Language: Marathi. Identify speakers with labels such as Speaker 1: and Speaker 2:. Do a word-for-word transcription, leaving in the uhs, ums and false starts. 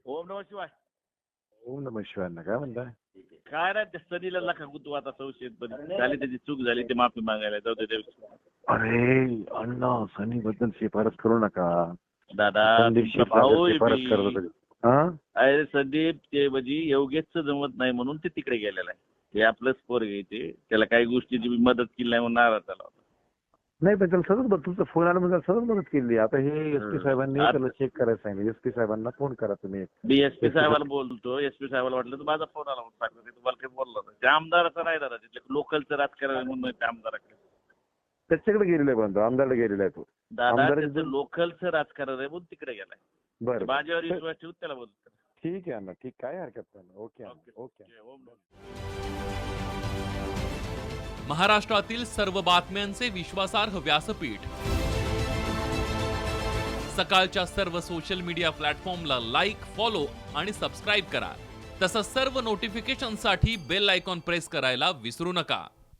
Speaker 1: ओम नमः शिवाय.
Speaker 2: ओम नमः शिवाय. काय म्हणताय?
Speaker 1: काय नाही त्या सनीला नका गुतू आता संशयित पण झाली त्याची चूक झाली ते माफी मागायला जाऊ दे.
Speaker 2: अरे अण्णा सनी बद्दल शिफारस करू नका.
Speaker 1: दादा
Speaker 2: संदीप
Speaker 1: तुमचा
Speaker 2: शिरसागर
Speaker 1: भाऊ आहे
Speaker 2: शिफारस
Speaker 1: मी.
Speaker 2: करत होते. हा?
Speaker 1: अरे संदीप ते म्हणजे योगेशचं जमत नाही म्हणून ते तिकडे गेलेलं आहे. ते आपलंच पोर घ्यायचे त्याला काही गोष्टीची मी मदत केली नाही म्हणून नाराज झाला होता.
Speaker 2: नाही पण त्याला सतत बघ तुमचा फोन आला म्हणजे सतत मदत केली. आता हे एस पी साहेबांनी
Speaker 1: आता-
Speaker 2: त्याला चेक करायला सांगितलं. एस पी साहेबांना फोन करा तुम्ही.
Speaker 1: मी एस पी साहेबाला बोलतो. एस पी साहेबाला वाटलं तर माझा फोन आला म्हणून सांगतो. ते तुम्हाला काही बोललो नाही. ते आमदाराचं नाही दादा तिथले लोकलचं राजकारण म्हणून ते आमदाराकडे
Speaker 2: त्याच्याकडे गेलेला आहे पण आमदारला गेलेला आहे तो.
Speaker 1: दादा
Speaker 2: आमदाराचं-
Speaker 1: त्याचं लोकलचं राजकारण आहे म्हणून तिकडे गेलाय.
Speaker 2: बरं
Speaker 1: माझ्यावर
Speaker 2: बरं.
Speaker 1: विश्वास ठेवून त्याला बोलतो.
Speaker 2: ठीक आहे अण्णा ठीक. काय हरकत नाही. ओके अण्णा, ओके.
Speaker 1: ओम नमः.
Speaker 3: महाराष्ट्रातील सर्व बातम्यांचे विश्वासार्ह व्यासपीठ सकाळच्या सर्व सोशल मीडिया प्लॅटफॉर्मला लाईक, फॉलो आणि सबस्क्राईब करा. तसंच सर्व नोटिफिकेशनसाठी बेल आयकॉन प्रेस करायला विसरू नका.